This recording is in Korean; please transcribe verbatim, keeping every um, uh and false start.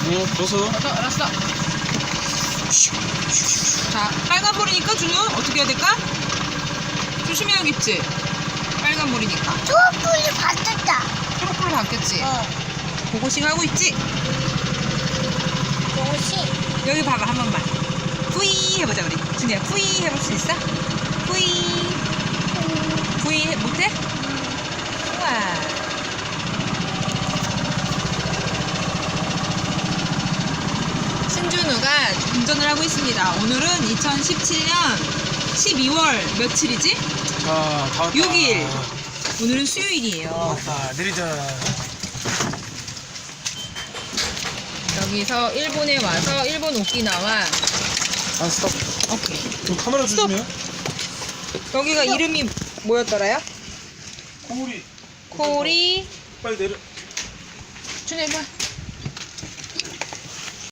어, 벗어. 알았어, 알았어. 자, 빨간 볼이니까 준우 어떻게 해야 될까? 조심해야겠지? 빨간 볼이니까. 초록불이 바뀌었다. 초록불로 바뀌었지? 어. 고고싱 하고 있지? 옷이. 여기 봐봐, 한 번만. 뿌이 해보자, 우리. 준우야, 뿌이 해볼 수 있어? 뿌이. 뿌이 해- 못해? 우와. 신준우가 운전을 하고 있습니다. 오늘은 이천십칠 년 십이월 며칠이지? 자, 다 왔다. 육 일. 오늘은 수요일이에요. 왔다. 내리자. 여기서 일본에 와서 일본 오키나와. 안 스톱. 오케이. 좀 카메라 스톱. 조심해요. 여기가 이름이 뭐였더라요? 코우리. 코리. 빨리 내려. 준우 해봐.